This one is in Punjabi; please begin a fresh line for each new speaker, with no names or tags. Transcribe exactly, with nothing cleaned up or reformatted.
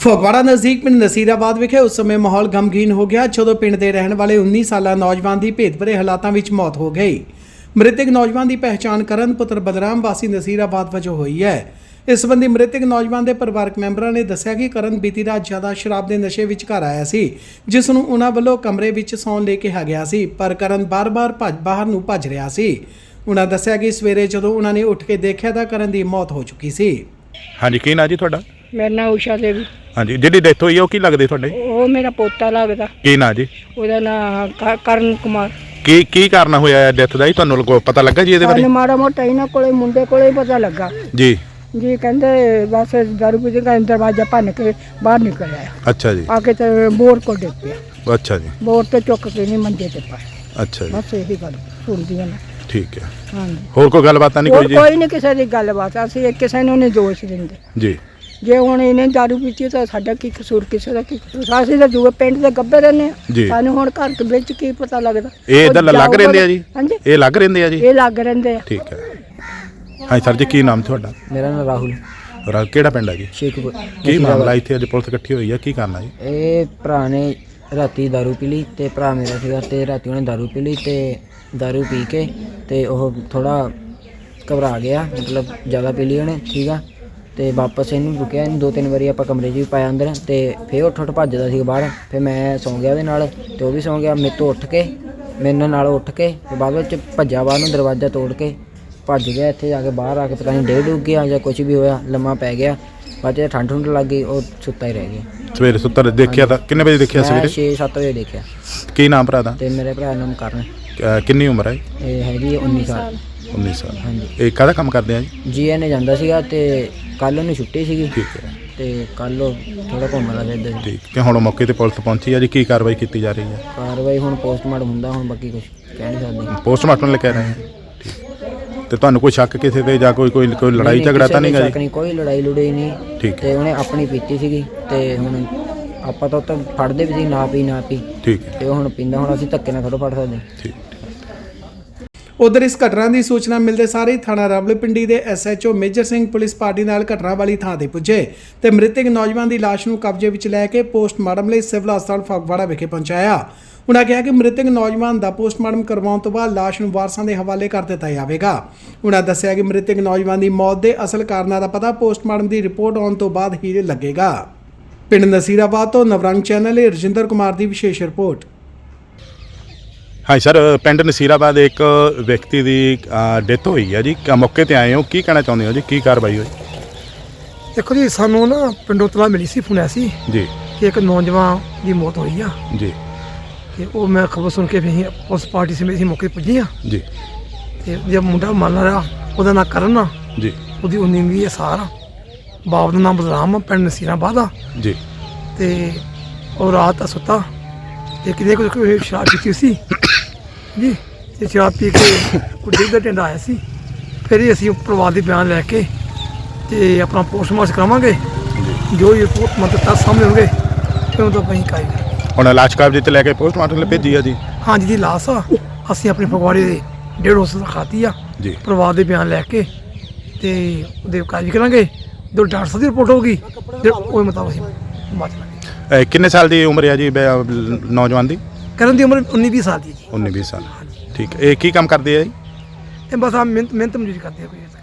ਫਗਵਾੜਾ ਨਜ਼ਦੀਕ ਪਿੰਡ ਨਸੀਰਾਬਾਦ ਵਿਖੇ ਉਸ ਸਮੇਂ ਮਾਹੌਲ ਗਮਗੀਨ ਹੋ ਗਿਆ ਜਦੋਂ ਪਿੰਡ ਦੇ ਰਹਿਣ ਵਾਲੇ ਉੱਨੀ ਸਾਲਾ ਨੌਜਵਾਨ ਦੀ ਭੇਦਭਰੇ ਹਾਲਾਤਾਂ ਵਿੱਚ ਮੌਤ ਹੋ ਗਈ। ਮ੍ਰਿਤਕ ਨੌਜਵਾਨ ਦੀ ਪਹਿਚਾਣ ਕਰਨ ਪੁੱਤਰ ਬਦਰਾਮ ਵਾਸੀ ਨਸੀਰਾਬਾਦ ਵਜੋਂ ਹੋਈ ਹੈ। ਇਸ ਸੰਬੰਧੀ ਮ੍ਰਿਤਕ ਨੌਜਵਾਨ ਦੇ ਪਰਿਵਾਰਕ ਮੈਂਬਰਾਂ ਨੇ ਦੱਸਿਆ ਕਿ ਕਰਨ ਬੀਤੀ ਰਾਤ ਜ਼ਿਆਦਾ ਸ਼ਰਾਬ ਦੇ ਨਸ਼ੇ ਵਿੱਚ ਘਰ ਆਇਆ ਸੀ, ਜਿਸ ਨੂੰ ਉਹਨਾਂ ਵੱਲੋਂ ਕਮਰੇ ਵਿੱਚ ਸੌਣ ਲਈ ਕਿਹਾ ਗਿਆ ਸੀ, ਪਰ ਕਰਨ ਬਾਰ-ਬਾਰ ਭੱਜ ਬਾਹਰ ਨੂੰ ਭੱਜ ਰਿਹਾ ਸੀ। ਉਹਨਾਂ ਦੱਸਿਆ ਕਿ ਸਵੇਰੇ ਜਦੋਂ ਉਹਨਾਂ ਨੇ ਉੱਠ ਕੇ ਦੇਖਿਆ ਤਾਂ ਕਰਨ ਦੀ ਮੌਤ ਹੋ ਚੁੱਕੀ ਸੀ।
ਹਾਂਜੀ, ਕੀ ਨਾਂ ਜੀ ਤੁਹਾਡਾ?
ਮੇਰਾ ਨਾਮ ਊਸ਼ਾ ਦੇਵੀ।
ਹਾਂਜੀ, ਜਿਹੜੀ ਡੈਥ ਹੋਈ ਆ ਉਹ ਕੀ ਲੱਗਦੇ ਤੁਹਾਡੇ?
ਉਹ ਮੇਰਾ ਪੋਤਾ ਲੱਗਦਾ।
ਕੀ ਨਾਂ ਜੀ?
ਉਹਦਾ ਨਾਮ ਕਰਨ ਕੁਮਾਰ।
ਕੀ ਕੀ ਕਾਰਨ ਹੋਇਆ ਡੈਥ ਦਾ ਜੀ, ਤੁਹਾਨੂੰ ਲਗੋ ਪਤਾ ਲੱਗਾ ਜੀ ਇਹਦੇ ਬਾਰੇ?
ਸਾਨੂੰ ਮਾੜਾ ਮੋਟਾ ਇਹਨਾਂ ਕੋਲੇ ਮੁੰਡੇ ਕੋਲੇ ਪਤਾ ਲੱਗਾ
ਜੀ
ਜੀ। ਕਹਿੰਦੇ ਬਸ ਦਾਰੂ ਪੀ ਕੇ ਦਰਵਾਜ਼ਾ ਭੰਨ ਕੇ ਬਾਹਰ ਨਿਕਲ ਆਇਆ।
ਅੱਛਾ ਜੀ।
ਆ ਕੇ ਤੇ ਬੋਰ ਕੋਲ ਡਿੱਗ ਪਿਆ।
ਅੱਛਾ ਜੀ।
ਬੋਰ ਤੇ ਚੁੱਕ ਕੇ ਨਹੀਂ ਮੰਜੇ ਤੇ ਪਾਇਆ।
ਅੱਛਾ ਜੀ,
ਬਸ ਇਹੀ ਗੱਲ ਸੁਣਦੀਆਂ ਨੇ।
ਠੀਕ ਹੈ।
ਹਾਂਜੀ,
ਹੋਰ ਕੋਈ ਗੱਲਬਾਤ ਤਾਂ ਨਹੀਂ
ਹੋਰ
ਕੋਈ ਜੀ?
ਕੋਈ ਨਹੀਂ ਕਿਸੇ ਦੀ ਗੱਲਬਾਤ। ਅਸੀਂ ਕਿਸੇ ਨੂੰ ਨਹੀਂ ਦੋਸ਼ ਦਿੰਦੇ
ਜੀ।
ਜੇ ਹੁਣ ਇਹਨੇ ਦਾਰੂ ਪੀਤੀ ਤਾਂ ਸਾਡਾ ਕੀ ਕਸੂਰ, ਕਿਸੇ ਦਾ ਕੀ ਕਸੂਰ? ਅਸੀਂ ਤਾਂ ਦੂਏ ਪਿੰਡ ਦੇ ਗੱਭੇ ਰਹਿੰਦੇ
ਜੀ।
ਆ, ਸਾਨੂੰ ਹੁਣ ਘਰ ਦੇ ਵਿੱਚ ਕੀ ਪਤਾ ਲੱਗਦਾ?
ਇਹ ਇੱਧਰ ਲੱਗ ਰਹਿੰਦੇ ਆ ਜੀ?
ਹਾਂਜੀ,
ਇਹ ਲੱਗ ਰਹਿੰਦੇ ਆ ਜੀ?
ਇਹ ਲੱਗ ਰਹਿੰਦੇ ਆ।
ਠੀਕ ਹੈ। ਹਾਂਜੀ ਸਰ ਜੀ, ਕੀ ਨਾਮ ਤੁਹਾਡਾ?
ਮੇਰਾ ਨਾਮ ਰਾਹੁਲ।
ਰਾ ਕਿਹੜਾ ਪਿੰਡ ਹੈ ਜੀ?
ਸ਼ੇਖਪੁਰ।
ਕੀ ਮਾਮਲਾ ਇੱਥੇ ਅੱਜ ਪੁਲਿਸ ਇਕੱਠੀ ਹੋਈ ਹੈ, ਕੀ ਕਰਨਾ ਜੀ?
ਇਹ ਭਰਾ ਨੇ ਰਾਤੀ ਦਾਰੂ ਪੀ ਲਈ ਤੇ ਭਰਾ ਮੇਰਾ ਸੀਗਾ ਤੇ ਰਾਤੀ ਉਹਨੇ ਦਾਰੂ ਪੀ ਲਈ ਤੇ ਦਾਰੂ ਪੀ ਕੇ ਤੇ ਉਹ ਥੋੜਾ ਘਬਰਾ ਗਿਆ, ਮਤਲਬ ਜ਼ਿਆਦਾ ਪੀ ਲਈ ਉਹਨੇ। ਠੀਕ ਆ, ਤੇ ਵਾਪਸ ਇਹਨੂੰ ਰੁਕਿਆ, ਇਹਨੂੰ ਦੋ ਤਿੰਨ ਵਾਰੀ ਆਪਾਂ ਕਮਰੇ 'ਚ ਵੀ ਪਾਇਆ ਅੰਦਰ ਤੇ ਫਿਰ ਉੱਠ ਉੱਠ ਭੱਜਦਾ ਸੀ ਬਾਹਰ। ਫਿਰ ਮੈਂ ਸੌਂ ਗਿਆ ਉਹਦੇ ਨਾਲ ਤੇ ਉਹ ਵੀ ਸੌਂ ਗਿਆ। ਮੇਰੇ ਤੋਂ ਉੱਠ ਕੇ ਮੇਰੇ ਨਾਲ ਉੱਠ ਕੇ ਤੇ ਬਾਅਦ ਵਿੱਚ ਭੱਜਾ ਬਾਹਰ ਨੂੰ, ਦਰਵਾਜ਼ਾ ਤੋੜ ਕੇ ਭੱਜ ਗਿਆ। ਇੱਥੇ ਜਾ ਕੇ ਬਾਹਰ ਆ ਕੇ ਪਤਾ ਨਹੀਂ ਡੇਢ ਡੁੱਬ ਗਿਆ ਜਾਂ ਕੁਝ ਵੀ ਹੋਇਆ, ਲੰਮਾ ਪੈ ਗਿਆ। ਬਾਅਦ 'ਚ ਠੰਡ ਠੁੰਡ ਲੱਗ ਗਈ, ਉਹ ਸੁੱਤਾ ਹੀ ਰਹਿ ਗਿਆ।
ਸਵੇਰੇ ਸੁੱਤਾ ਦੇਖਿਆ ਤਾਂ ਕਿੰਨੇ ਵਜੇ ਦੇਖਿਆ ਸਵੇਰੇ?
ਛੇ ਸੱਤ ਵਜੇ ਦੇਖਿਆ।
ਕੀ ਨਾਮ ਭਰਾ ਦਾ?
ਤੇ ਮੇਰੇ ਭਰਾ ਦਾ ਨਾਮ ਕਰਨ।
ਅਹ ਕਿੰਨੀ ਉਮਰ ਹੈ?
ਇਹ ਹੈਗੀ ਉੱਨੀ ਸਾਲ।
ਉੱਨੀ ਸਾਲ।
ਹਾਂਜੀ।
ਇਹ ਕਾਹਦਾ ਕੰਮ ਕਰਦੇ ਆ ਜੀ?
ਜੀ ਐਨ ਏ ਜਾਂਦਾ ਸੀਗਾ ਤੇ ਕੱਲ੍ਹ ਉਹਨੂੰ ਛੁੱਟੀ ਸੀਗੀ
ਠੀਕ ਹੈ।
ਤੇ ਕੱਲ੍ਹ ਉਹ ਥੋੜਾ ਘੁੰਮਦਾ ਫਿਰਦਾ ਸੀ।
ਠੀਕ ਕਿ ਹੁਣ ਮੌਕੇ ਤੇ ਪੁਲਿਸ ਪਹੁੰਚੀ ਆ ਜੀ, ਕੀ ਕਾਰਵਾਈ ਕੀਤੀ ਜਾ ਰਹੀ ਹੈ?
ਕਾਰਵਾਈ ਹੁਣ ਪੋਸਟਮਾਰਟਮ ਹੁੰਦਾ, ਹੁਣ ਬਾਕੀ ਕੁਝ ਕਹਿ ਨਹੀਂ ਸਕਦੇ।
ਪੋਸਟਮਾਰਟਮ ਲੈ ਕੇ ਆ ਰਹੇ ਹਾਂ। ਠੀਕ। ਤੇ ਤੁਹਾਨੂੰ ਕੋਈ ਸ਼ੱਕ ਕਿਸੇ ਤੇ ਜਾਂ ਕੋਈ ਕੋਈ ਕੋਈ ਲੜਾਈ ਝਗੜਾ ਤਾਂ ਨਹੀਂਗਾ ਜੀ?
ਨਹੀਂ, ਕੋਈ ਲੜਾਈ ਲੜਾਈ ਨਹੀਂ।
ਠੀਕ।
ਤੇ ਉਹਨੇ ਆਪਣੀ ਪੀਤੀ ਸੀਗੀ ਤੇ ਹੁਣ ਆਪਾਂ ਤਾਂ ਉੱਥੇ ਫੜਦੇ ਵੀ ਸੀ, ਨਾ ਪੀ ਨਾ ਪੀ।
ਠੀਕ ਹੈ।
ਤੇ ਉਹ ਹੁਣ ਪੀਂਦਾ, ਹੁਣ ਅਸੀਂ ਧੱਕੇ ਨਾਲ ਥੋੜ੍ਹਾ ਫੜ ਸਕਦੇ।
ਠੀਕ।
ਉਧਰ ਇਸ ਘਟਨਾ ਦੀ ਸੂਚਨਾ ਮਿਲਦੇ ਸਾਰ ਹੀ ਥਾਣਾ ਰਾਵਲਪਿੰਡੀ ਦੇ S H O major Singh police party ਨਾਲ ਘਟਨਾ ਵਾਲੀ ਥਾਂ ਤੇ ਪੁੱਜੇ ਤੇ ਮ੍ਰਿਤਕ ਨੌਜਵਾਨ ਦੀ ਲਾਸ਼ ਨੂੰ ਕਬਜ਼ੇ ਵਿੱਚ ਲੈ ਕੇ ਪੋਸਟਮਾਰਟਮ ਲਈ ਸਿਵਲ ਹਸਪਤਾਲ ਫਗਵਾੜਾ ਵਿਖੇ ਪਹੁੰਚਾਇਆ। ਉਨ੍ਹਾਂ ਕਿਹਾ ਕਿ ਮ੍ਰਿਤਕ ਨੌਜਵਾਨ ਦਾ ਪੋਸਟਮਾਰਟਮ ਕਰਵਾਉਣ ਤੋਂ ਬਾਅਦ ਲਾਸ਼ ਨੂੰ ਵਾਰਸਾਂ ਦੇ ਹਵਾਲੇ ਕਰ ਦਿੱਤਾ ਜਾਵੇਗਾ। ਉਨ੍ਹਾਂ ਦੱਸਿਆ ਕਿ ਮ੍ਰਿਤਕ ਨੌਜਵਾਨ ਦੀ ਮੌਤ ਦੇ ਅਸਲ ਕਾਰਨਾਂ ਦਾ ਪਤਾ ਪੋਸਟਮਾਰਟਮ ਦੀ ਰਿਪੋਰਟ ਆਉਣ ਤੋਂ ਬਾਅਦ ਹੀ ਲੱਗੇਗਾ। ਪਿੰਡ ਨਸੀਰਾਬਾਦ ਤੋਂ ਨਵਰੰਗ ਚੈਨਲ ਲਈ ਰਜਿੰਦਰ ਕੁਮਾਰ ਦੀ ਵਿਸ਼ੇਸ਼ ਰਿਪੋਰਟ।
ਹਾਂ ਸਰ, ਪਿੰਡ ਨਸੀਰਾਬਾਦ ਇੱਕ ਵਿਅਕਤੀ ਦੀ ਡੈਥ ਹੋਈ ਹੈ ਜੀ, ਮੌਕੇ ਤੇ ਆਏ ਹੋ, ਕੀ ਕਹਿਣਾ ਚਾਹੁੰਦੇ ਹੋ ਜੀ, ਕੀ ਕਾਰਵਾਈ ਹੋਈ?
ਦੇਖੋ ਜੀ, ਸਾਨੂੰ ਨਾ ਪਿੰਡੋਂ ਤਲਾ ਮਿਲੀ ਸੀ, ਫੋਨ ਆਇਆ ਸੀ
ਜੀ
ਕਿ ਇੱਕ ਨੌਜਵਾਨ ਦੀ ਮੌਤ ਹੋਈ ਆ
ਜੀ।
ਤੇ ਉਹ ਮੈਂ ਖਬਰ ਸੁਣ ਕੇ ਫਿਰ ਉਸ ਪਾਰਟੀ ਸਮੇਤ ਅਸੀਂ ਮੌਕੇ ਪੁੱਜੇ ਆ
ਜੀ।
ਤੇ ਜੇ ਮੁੰਡਾ ਮੰਨ ਰਿਹਾ, ਉਹਦਾ ਨਾਂ ਕਰਨ ਆ
ਜੀ।
ਉਹਦੀ ਉੱਨੀ ਵੀਹ ਸਾਲ ਆ। ਬਾਪ ਦਾ ਨਾਮ ਬਦਰਾਮ ਆ, ਪਿੰਡ ਨਸੀਰਾਬਾਦ ਆ
ਜੀ।
ਤੇ ਉਹ ਰਾਤ ਦਾ ਸੁੱਤਾ ਤੇ ਕਿਤੇ ਕੋਈ ਸ਼ਰਾਬ ਪੀਤੀ ਸੀ ਜੀ, ਤੇ ਸ਼ਰਾਬ ਪੀ ਕੇ ਉਹ ਡਿੱਗਦਾ ਢਿੰਡਾ ਆਇਆ ਸੀ। ਫਿਰ ਹੀ ਅਸੀਂ ਪਰਿਵਾਰ ਦੇ ਬਿਆਨ ਲੈ ਕੇ ਤੇ ਆਪਣਾ ਪੋਸਟਮਾਰਟਮ ਕਰਾਵਾਂਗੇ। ਜੋ ਰਿਪੋਰਟ ਮਤਲਬ ਤਾਂ ਸਾਹਮਣੇ ਹੋਣਗੇ ਫਿਰ ਉਹ ਤਾਂ ਅਸੀਂ ਕਾਈ
ਹੁਣ ਲਾਸ਼ ਕਬਜ਼ੇ ਤੇ ਲੈ ਕੇ ਪੋਸਟਮਾਰਟਮ ਲਈ ਭੇਜੀ ਆ ਜੀ?
ਹਾਂਜੀ ਜੀ, ਲਾਸ਼ ਆ ਅਸੀਂ ਆਪਣੇ ਫਗਵਾੜੇ ਦੇ ਡੇਢ ਹੌਸਲ ਖਾਤੀ ਆ
ਜੀ।
ਪਰਿਵਾਰ ਦੇ ਬਿਆਨ ਲੈ ਕੇ ਤੇ ਉਹਦੇ ਕਾਰਜ ਕਰਾਂਗੇ। ਜੋ ਡਾਕਟਰ ਸਾਹਿਬ ਦੀ ਰਿਪੋਰਟ ਹੋਊਗੀ ਤੇ ਉਹ ਮੁਤਾਬਕ ਅਸੀਂ ਬਾਤ ਕਰਾਂਗੇ।
ਕਿੰਨੇ ਸਾਲ ਦੀ ਉਮਰ ਹੈ ਜੀ ਨੌਜਵਾਨ ਦੀ?
ਕਰਨ ਦੀ ਉਮਰ ਉੱਨੀ ਵੀਹ ਸਾਲ ਦੀ ਜੀ।
ਉੱਨੀ ਵੀਹ ਸਾਲ। ਠੀਕ ਹੈ। ਇਹ ਕੀ ਕੰਮ ਕਰਦੇ ਆ ਜੀ?
ਇਹ ਬਸ ਆ ਮਿਹਨਤ ਮਿਹਨਤ ਮਜ਼ਦੂਰੀ ਕਰਦੇ ਆ ਕੋਈ।